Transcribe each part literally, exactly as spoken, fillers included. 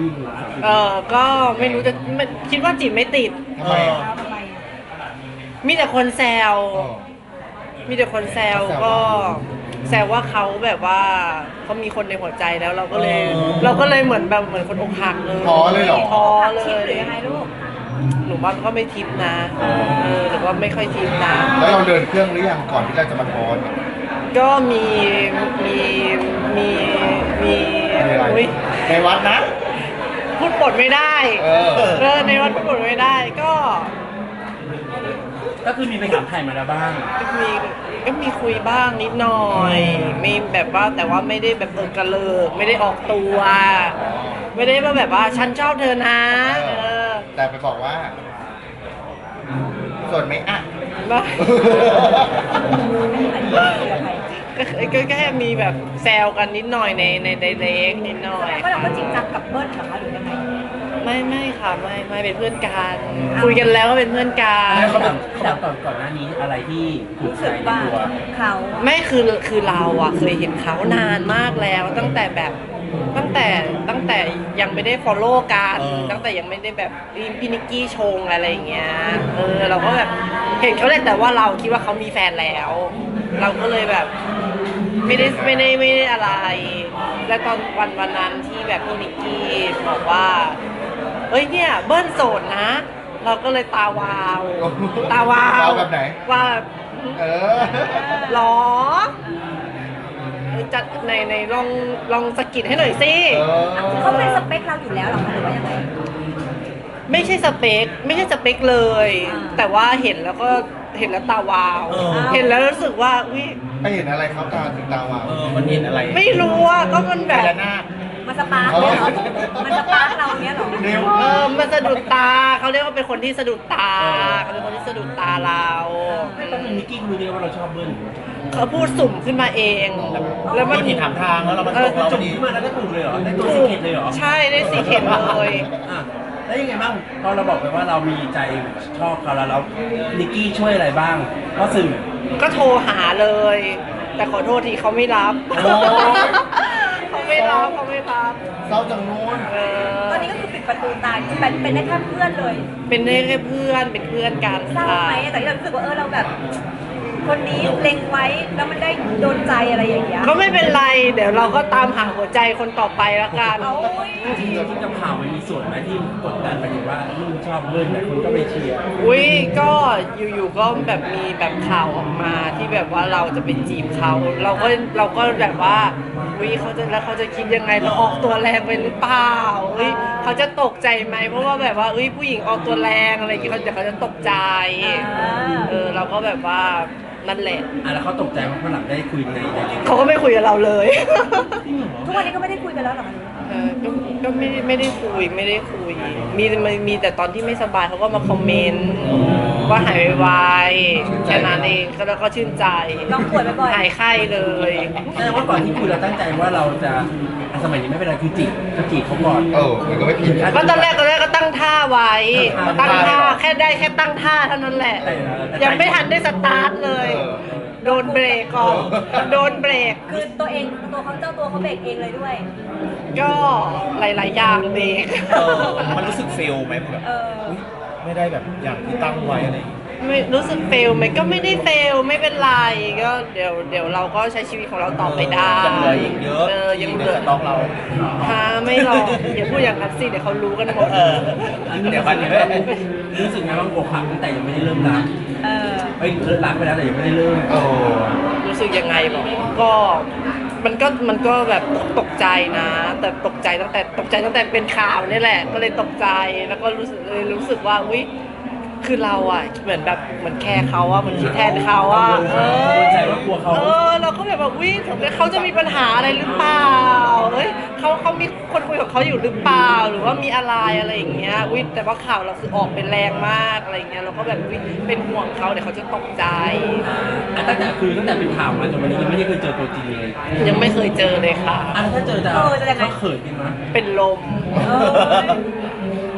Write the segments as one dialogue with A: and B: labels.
A: วิ่งสามสิบ
B: เออก็ไม่รู้จะไม่คิดว่าจีบไม่ติด
C: ทำไมอ่ะ
B: มีแต่คนแซว
C: อ๋อ
B: มีแต่คนแซวก็แซวว่าเขาแบบว่าเขามีคนในหัวใจแล้วเราก็เลย เราก็เลยเหมือนแบบเหมือนคนอกหักเลย
C: ท้อเลยเหรอ
B: ท้อเล
D: ชิป
B: ย
D: หรือยังไงลูก
B: หนูว่าก็ไม่ทิปนะเออหรือว่าไม่ค่อยทิปนะ
C: แล้วเราเดินเครื่องหรือยังก่อนที่เราจะมาโพสต์
B: ก็มีมีมีมี
C: มีอะไร
B: อุ๊ย
C: ในวัดนะ
B: พูดปดไม่ได้
C: เออ
B: เออในวันพูดปดไม่ได้ก็
A: ก็คือมีไปถามไทยมาแล้วบ้าง
B: ก็มีก็มีคุยบ้างนิดหน่อยมีแบบว่าแต่ว่าไม่ได้แบบเออกระเลิกไม่ได้ออกตัว ไม่ได้มาแบบว่าฉันชอบเธอนะเออ
C: แต่ไปบอกว่าสดไหมอ่ะ
B: ว่า ก็ก็แค่มีแบบแซวกันนิดหน่อยในในในเล็กนิดหน่อย
D: ก็เราก็จริงจังกับเบิ้ลเหรอคะหรือยังไง
B: ไม่ไม่ค่ะไม่ไม่เป็นเพื่อนกันคุยกันแล้วก็เป็นเพื่อนกัน
A: แล้วเขาแบบเขาแบบก่อนก่อนหน้านี้อะไรที่ถูก
D: รู้
A: ใจ
D: สึก
A: ใน
D: ว่า
A: ตัว
D: เขา
B: ไม่คือคือเราอะเคยเห็นเขานานมากแล้ว ตั้งแต่แบบตั้งแต่ตั้งแต่ยังไม่ได้ follow กันตั้งแต่ยังไม่ได้แบบพี่นิกกี้ชงอะไรอย่างเงี้ยเออเราก็แบบเห็นเขาเลยแต่ว่าเราคิดว่าเขามีแฟนแล้ว เราก็เลยแบบไม่ได้ไม่ได้ไม่ได้อะไร แล้วตอนวันวันนั้นที่แบบพี่นิกกี้บอกว่าเฮ้ยเนี่ยเบิ้ลโสดนะ เราก็เลยตาวาว ตาวาว
C: าวแบบไหน
B: ว่า
C: เออ
B: หรอจัดในในลองลองสะกิดให้หน่อยสิ
C: เออ
D: เขาเป็นสเปคเราอยู่แล้วเหรอคะหรือว่ายังไง
B: ไม่ใช่สเปคไม่ใช่สเปคเลย
D: อ่า
B: แต่ว่าเห็นแล้วก็เห็นแล้วตาวาว เห็นแล้วรู้สึกว่าวิ
C: ไปเห็นอะไรครับตาถึงตาวาว
A: เออมันเห็นอะไร
B: ไม่รู้อ่ะก็มันแบบ
C: พญานาค
D: มันสปาร์กเนี่ยเหรอมันสปาร์กเราเนี้ยเหรอ
C: เร็ว
B: เออมันสะดุดตาเขาเรียกว่าเป็นคนที่สะดุดตาเขาเป็นคนที่สะดุดตาเรา
A: ไม่ต้องมีนิกกี้รู้ได้ว่าเราชอบเบิ้ล
B: เขาพูดสุ่มขึ้นมาเอง แล้วมัน
A: เห็นถามทางแล้วเรามันตกเราจุ่มขึ้นมาแล้วได้ถูกเลยเหรอได้ตัวสิเกตเลยเหรอ
B: ใช่ได้สีเข็มเลย
A: อ่ะแล้วยังไงบ้างพอเราบอกไปว่าเรามีใจชอบเขาแล้วเรานิกกี้ช่วยอะไรบ้างเพราะสื่อ
B: ก็โทรหาเลย แต่ขอโทษทีเขาไม่รับ
C: โอ้ย
B: เขาไม่รับเขาไม่รับ
C: เศร้าจังนู้น
B: เออ
D: ตอนนี้ก็คือปิดประตูตายเป็นเป็นได้แค่เพื่อนเลย
B: เป็นได้แค่เพื่อนเป็นเพื่อนกัน
D: เศร้า
B: ค่ะ
D: ไหมแต่ที่เรารู้สึกว่าเออเราแบบ คนนี้เล็งไว้แล้วมันได้โดนใจอะไรอย่างเงี้ย
B: ก็ไม่เป็นไร เดี๋ยวเราก็ตามหาหัวใจคนต่อไปแล้วกัน
D: เอาเว้ย
A: จริงๆที่กับข่าวมันมีส่วนไหมที่กดดันไปถึงว่าลูกชอบเบิ้ลแต่คนก็ไปเชียร์
B: อุ้ยก็อยู่ๆก็แบบมีแบบข่าวออกมาที่แบบว่าเราจะไปจีบเขาเราก็เราก็แบบว่าอุ้ยเขาจะแล้วเขาจะคิดยังไงเราออกตัวแรงไปหรือเปล่าอุ้ยเขาจะตกใจไหมเพราะว่าแบบว่าอุ้ยผู้หญิงออกตัวแรงอะไรอย่างเงี้ยเขาเดี๋ยวเขาจะตกใจเออเราก็แบบว่านั่นแหละ
A: อ่ะแล้วเขาตกใจว่าฝรั่งได้คุยในใน
B: เขาก็ไม่คุยกับเราเลย
D: ทุกวันนี้ก็ไม่ได้คุยกันแล้วเหรอคะ
B: เออก็ก็ไม่ได้ไม่ได้คุยไม่ได้คุย มีมีมีแต่ตอนที่ไม่สบายเขาก็มาคอมเมนต์ว่าหายไวๆแค่นั้นเองก็แล้วก็ชื่นใจ
D: ลองป่วยบ่อย
B: หายไข้เลย
A: แสดงว่าก่อนที่คุยเราตั้งใจว่าเราจะอ่ะสมัยนี้ไม่เป็นไรคือจีบจะจีบเขาก่อน
C: เออมันก็ไม่ผิด
B: ก็ตอนแรกตอนแรกก็ตั้งท่าไว้
A: ตั้
B: ตั้
A: ง
B: ง
A: ท่า
B: ท่าแค่ได้แค่ตั้งท่าเท่านั้นแหละ
A: แต่แต่
B: ยังไม่ทันได้สตาร์ทเลย โดนเบรกก่อนโดนเบรก
D: ๆคือตัวเองตัวเขาเจ้าตัวเขาเบรกเองเลยด้วย
B: ก็หลาย ๆ อย่างเบรก
E: เออมันรู้สึกเฟลไหมแบบ
D: เออ
E: อุ๊ยไม่ได้แบบอย่างที่ตั้งไว้อะไรอย่างเงี้ย
B: ไม่รู้สึกเฟลไหมก็ไม่ได้เฟลไม่เป็นไรก็เดี๋ยวเดี๋ยวเราก็ใช้ชีวิตของเราต่อไปได้
E: ยังเหลืออีกเยอะ
B: เออยังเหลือ
E: สต็อกเรา
B: ฮะไม่หรอกอย่าพูดอย่างนั้นสิเดี๋ยวเขารู้กันหมด
E: เออเดี๋ยวคันนี้ไม่
A: รู้สึกไงบ้างอกหักตั้งแต่ยังไม่ได้เริ่มรัก
D: เออ
A: เฮ้ยเลิกรักไปแล้วแต่ยังไม่ได้เริ่ม
C: โอ้
B: รู้สึกยังไงบอกก็มันก็มันก็แบบตกใจนะ แต่ตกใจตั้งแต่ตกใจตั้งแต่เป็นข่าวนี่แหละ ก็เลยตกใจแล้วก็รู้สึกเลยรู้สึกว่าอุ้ยคือเราอ่ะเหมือนแบบเหมือนแคร์เขาอ่ะเหมือนคิดแทนเขาอ่ะเออ
A: ใจว่ากลัวเขา
B: เออเราก็แบบว่าอุ้ยเขาจะมีปัญหาอะไรหรือเปล่าเอ้ยเขาเขามีคนคุยกับเขาอยู่หรือเปล่าหรือว่ามีอะไรอะไรอย่างเงี้ยอุ้ยแต่ว่าข่าวเราคือออกเป็นแรงมากอะไรอย่างเงี้ยเราก็แบบอุ้ยเป็นห่วงเขาเดี๋ยวเขาจะตกใจ
A: อ่ะตั้งแต่คือตั้งแต่เป็นข่าวมาจนวันนี้ยังไม่ได้เคยเจอตัวจริงเลย
B: ยังไม่เคยเจอเลยค่ะ
A: อ่ะแล้วถ้าเจอจะ
D: เออจะยังไง
A: เขาเขินกันมั้ย
B: เป็นลม
D: เออ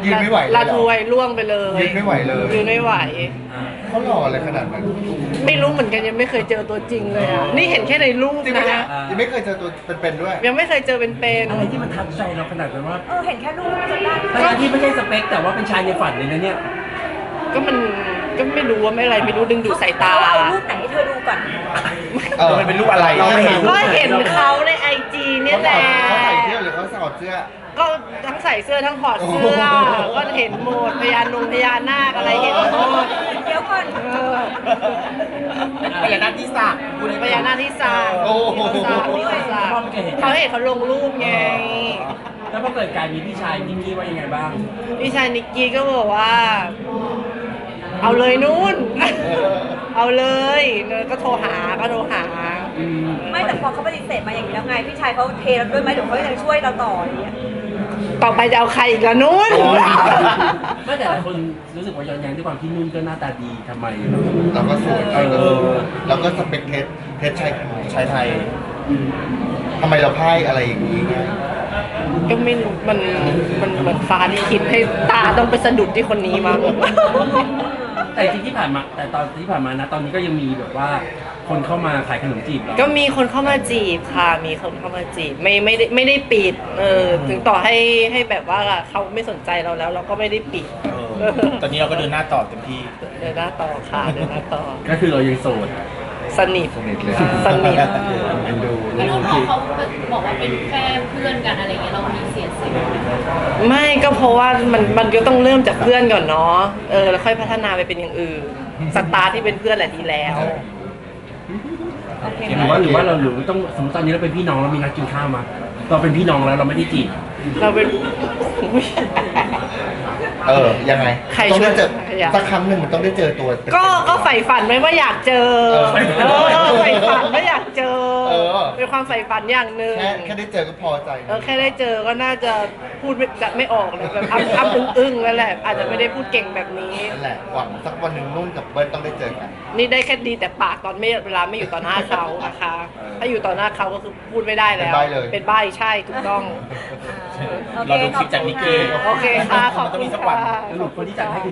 C: ยืนไม่ไหวเลยเหรอ
B: ลาทวยล่วงไปเลย
C: ยืนไม่ไหวเลย
B: ยืนไม่ไหว
C: เขาหล่ออะไรขนาดนั้น
B: ไม่รู้เหมือนกันยังไม่เคยเจอตัวจริงเลยอ่ะนี่เห็นแค่ในรูป
C: จริงไหมเนี่ย
B: นะ
C: ยังไม่เคยเจอตัวเป็นๆด้วย
B: ยังไม่เคยเจอเป็น
A: อะไรที่มันทับใจเราขนาดนั้นว่า
D: เออเห็นแค่รูปจำได้
A: ทั้งที่ไม่ใช่สเปคแต่ว่าเป็นชายในฝันเลยนะเนี่ย
B: ๆก็มันก็ไม่รู้ว่าไม่อะไรไม่รู้ดึงดูดสายตา
D: เอรูปไหนให้เธอดูก่อน
C: เออ
E: มันเป็นรูปอะไร
C: เราไม่เห็น
B: ก็เห็นเขาในไอจีเนี่ยแหละ
C: เขาใส่เสื้อหรือเขาใส่เสื้อ
B: ก็ทั้งใส่เสื้อทั้งถอดเสื้อ ก็เห็นหมดพญานงพญานาคอะไรเห็นหมด
D: เดี๋ยวก่อน
B: เออ
E: พญานาคที่สระพูดให้
B: พญานาคที่ซา
C: โอ้โห
B: ที่ซาที่ซาเขาเห็นเขาลงรูปไง
A: แล้วพอเกิดการมีพี่ชายนิกกี้ว่ายังไงบ้าง
B: พี่ชายนิกกี้ก็บอกว่า เอาเลยนู่น เอาเลยก็โทรหาก็โทรหา
D: ไม่แต่พอเขาปฏิเสธมาอย่างนี้แล้วไงพี่ชายเขาเทเราด้วยไหมเดี๋ยวเขาจะช่วยเราต่ออย่างเงี้ย
B: ต่อไปจะเอาใครอีกละนู่น
A: ไม่แต่หลายคนรู้สึกว่าย้อนแย้งด้วยความที่นุ่นก็หน้าตาดีทำไม
C: เราก็สวย
A: เออ
C: เราก็สเปคเทสเทสชาย
E: ชายไทย
C: ทำไมเราพ่ายอะไรอย่างนี้ไง
B: ก็ไม่รู้มันมันเหมือนฟ้าที่คิดให้ตาต้องไปสะดุดที่คนนี้มั้ง
A: แต่จริงๆที่ผ่านมาแต่ตอนที่ผ่านมานะตอนนี้ก็ยังมีแบบว่าคนเข้ามาขายขนมจีบเรา
B: ก็มีคนเข้ามาจีบค่ะ มีคนเข้ามาจีบไม่ไม่ได้ไม่ได้ปิด เออ ถึงต่อให้ให้แบบว่าเขาไม่สนใจเราแล้ว เราก็ไม่ได้ปิด
E: เออตอนนี้เราก็เดินหน้าต่อเต็มที่
B: เดินหน้าต่อค่ะเดินหน้าต่อ
A: ก็คือเรายังโสด
B: สนิท
C: สนิทเลย
B: สนิท
C: เอ็นดู
F: แล้วน้องๆเขาบอกว่าเป็นแค่เพื่อนกันอะไรเงี้ยเรามีเสียเสีย
B: ไม่ก็เพราะว่ามันมันก็ต้องเริ่มจากเพื่อนก่อนเนาะ เออ แล้วค่อยพัฒนาไปเป็นอย่างอื่น สตาร์ทที่เป็นเพื่อนแหละดีแล้ว
D: โอเค
A: หรือว่าหรือว่าเราหรือต้องสมมติตอนนี้เราเป็นพี่น้องเรามีนัดกินข้าวมา เราเป็นพี่น้องแล้วเราไม่ได้จีบ
B: เราเป็น
C: เออ ยังไง
B: ใคร
C: ต้องได้เจอ
B: ช่วยอยาก
C: สักครั้งหนึ่งมันต้องได้เจอตัวเป็นๆ
B: ก็ก็ใฝ่ฝันไว้ว่าอยากเจอ
C: เออ
B: เออใฝ่ฝันว่าอยากเจอ
C: เออ
B: เป็นความใฝ่ฝันอย่างหนึ่ง
C: แค่แค่ได้เจอก็พอใจ
B: เออแค่ได้เจอก็น่าจะพูดไม่จะไม่ออกเลยแบบอ้ำอ้ำอึ้งอึ้งแล้วแหละ อาจจะไม่ได้พูดเก่งแบบนี้
C: นั่นแหละหวังสักวันหนึ่งนุ่นกับเบิ้ลต้องได้เจอกัน
B: นี่ได้แค่ดีแต่ปากตอนไม่เวลาไม่อยู่ต่อหน้าเขานะคะ ถ้าอยู่ต่อหน้าเขาก็คือพูดไม่ได้แล้ว
C: เป็นใบ้เลย
B: เป็นใบ้ใช่ถูกต้อง
D: โอเค
E: เราดูคลิปจากนิกกี้
B: โอเคค่ะขอบ
E: มันต้อ
B: คุ
E: งมี
B: ณ
E: สักวัน
B: ค่ะ
A: สรุปคนที่จัดให้คือ